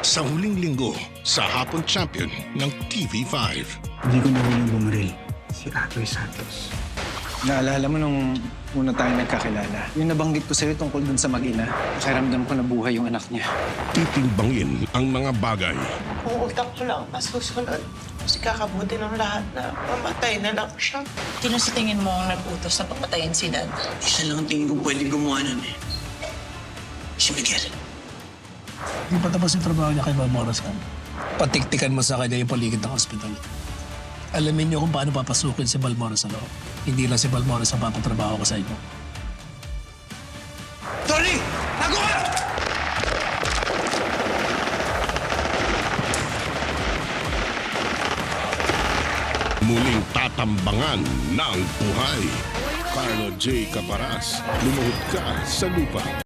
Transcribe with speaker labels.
Speaker 1: Sa huling linggo, sa Hapon Champion ng TV5.
Speaker 2: Hindi ko nahuling bumaril si Atoy Santos.
Speaker 3: Naalala mo nung una tayo nagkakilala, yung nabanggit ko sa'yo tungkol dun sa mag-ina, nakiramdam ko na buhay yung anak niya.
Speaker 1: Titimbangin ang mga bagay.
Speaker 4: Kung utak ko lang masusunod, kasi kakabuti ng lahat na mamatay na lang siya.
Speaker 5: Sino sa tingin mo ang nag-utos na papatayin si Dad?
Speaker 6: Isa lang ang tingin ko pwedeng gumawa nun eh. Si Miguel.
Speaker 7: Hindi pa tapos yung trabaho niya kay Balmoras kan. Patiktikan mo sa kanya yung paligid ng ospital. Alamin niyo kung paano papasukin si Balmoras sa loob. Hindi lang si Balmoras ang papatrabaho ko sa inyo.
Speaker 6: Tony! Tago ka!
Speaker 1: Muling tatambangan ng buhay. Carlo J. Caparas, lumuhod ka sa lupa.